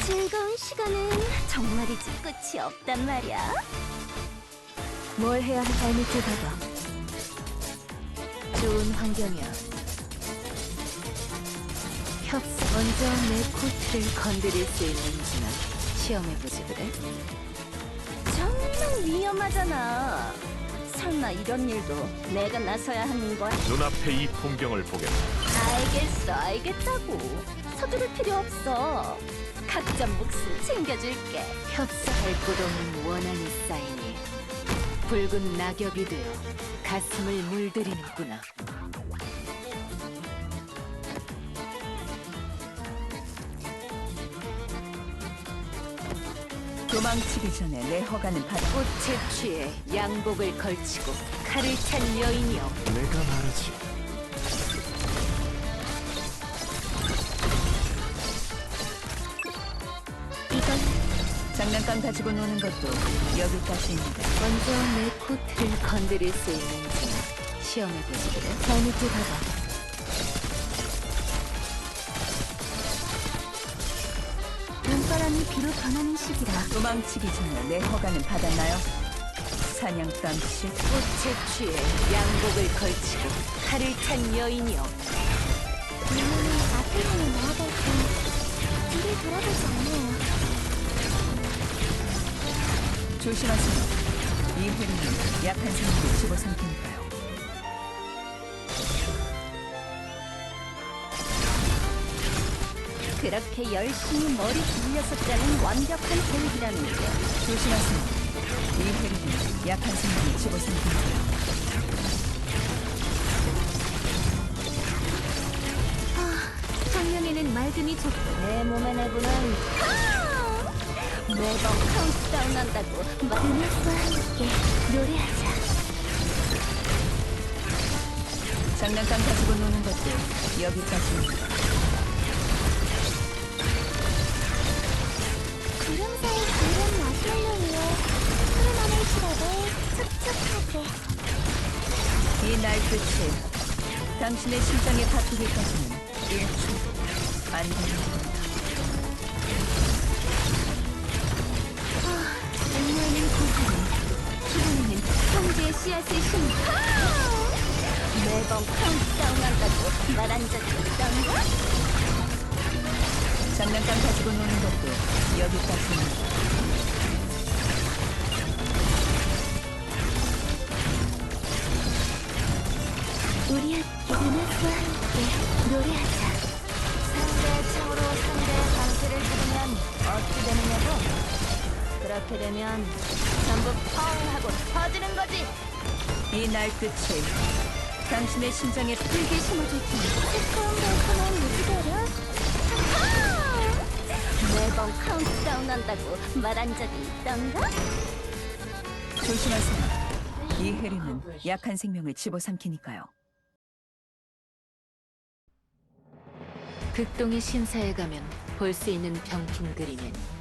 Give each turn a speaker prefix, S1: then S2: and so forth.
S1: 즐거운 시간은 정말이지 끝이 없단 말이야.
S2: 뭘 해야 할 발밑을 봐봐. 좋은 환경이야. 협상 먼저 내 코트를 건드릴 수 있는지나 시험해보지 그래?
S1: 정말 위험하잖아. 설마 이런 일도 내가 나서야 하는 거야?
S3: 눈앞에 이 풍경을 보겠다.
S1: 알겠어, 알겠다고. 서두를 필요 없어. 각자 몫을 챙겨줄게.
S2: 협상할 곳 없는 원한이 쌓이니 붉은 낙엽이 되어 가슴을 물들이는구나.
S4: 도망치기 전에 내 허가는 받아.
S2: 꽃에 취해 양복을 걸치고 칼을 찬 여인이여,
S3: 내가 말하지.
S1: 이건
S4: 장난감 가지고 노는 것도 여기까지입니다.
S2: 먼저 내 코트를 건드릴 수 있는지나 시험해보지 그래? 발밑을 봐봐.
S1: 눈바람이 비로 변하는 시기라.
S4: 도망치기 전에 내 허가는 받았나요? 사냥감 씨,
S2: 꽃에 취해 양복을 걸치고 칼을 찬 여인이여,
S1: 이모는 앞을 향해 나아갈 때 뒤를 돌아보지 않아요.
S4: 조심하세요. 이 해리는 약한 사람을 집어삼키니까요.
S1: 그렇게 열심히 머리 굴려서 짜는 완벽한 계획이라는 게
S4: 조심하세요. 이 해리는 약한 사람을 집어삼키니까요.
S1: 작년에는 맑음이 좋고 내 몸의 내부는 매번 카운트다운 한다고 음악과 함께 노래하자.
S4: 장난감 가지고 노는 것도 여기까지입니다.
S1: 구름 사이 구름 마시멜로 위에 푸른 하늘 시럽을 촉촉하게.
S4: 이 날 끝에 당신의 심장에 바뀌기까지는 1초 안 됩니다.
S1: 음료는 고사는 기분에는 형제의 씨앗을 심고 매번 카운트다운 한다고 말한 적이 있던가?
S4: 장난감 가지고 노는 것도 여기까지입니다.
S1: 우리 함께 음악과 함께 노래하자. 상대의 창으로 상대의 방패를 부르면 어떻게 되느냐고? 그렇게 되면 전부 펑 하고 터지는 거지.
S4: 이 날 끝에 당신의 심장에
S1: 불길 심어줄 테니 새콤달콤한 무지개를 매번 카운트다운 한다고 말한 적이 있던가?
S4: 조심하세요. 이 해리는 약한 생명을 집어삼키니까요.
S2: 극동의 심사에 가면 볼 수 있는 병풍 그림엔